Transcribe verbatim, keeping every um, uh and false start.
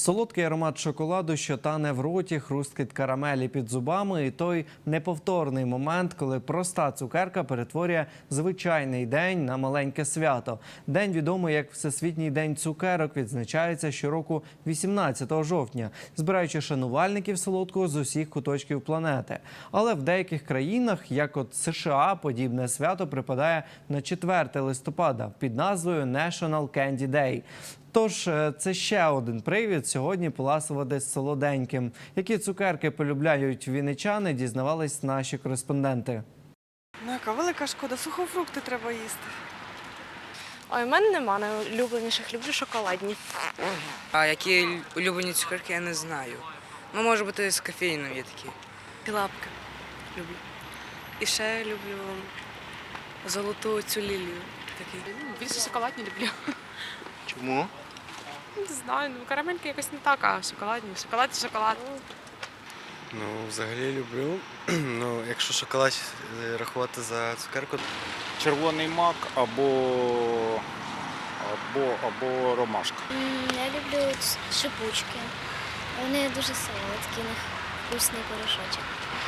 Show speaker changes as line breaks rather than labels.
Солодкий аромат шоколаду, що тане в роті, хрусткіт карамелі під зубами і той неповторний момент, коли проста цукерка перетворює звичайний день на маленьке свято. День, відомий як Всесвітній день цукерок, відзначається щороку вісімнадцятого жовтня, збираючи шанувальників солодкого з усіх куточків планети. Але в деяких країнах, як от США, подібне свято припадає на четверте листопада під назвою National Candy Day. Тож це ще один привід сьогодні поласувати з солоденьким. Які цукерки полюбляють вінничани, дізнавались наші кореспонденти.
Ну, яка велика шкода, сухофрукти треба їсти.
Ой, в мене нема найулюбленіших, люблю шоколадні.
А які улюблені цукерки, я не знаю. Ну, може бути, з кофеїном є такі.
Лапки люблю. І ще люблю золоту цю лілію. Такий.
Більше шоколадні люблю.
Чому?
Не знаю, ну карамельки якось не так, а шоколадні. Шоколад і шоколад.
Ну, взагалі люблю. Ну, якщо шоколад е, рахувати за цукерку,
Червоний мак або, або, або ромашка.
М, Я люблю ц- шипучки. Вони дуже солодкі, у них вкусний порошочок.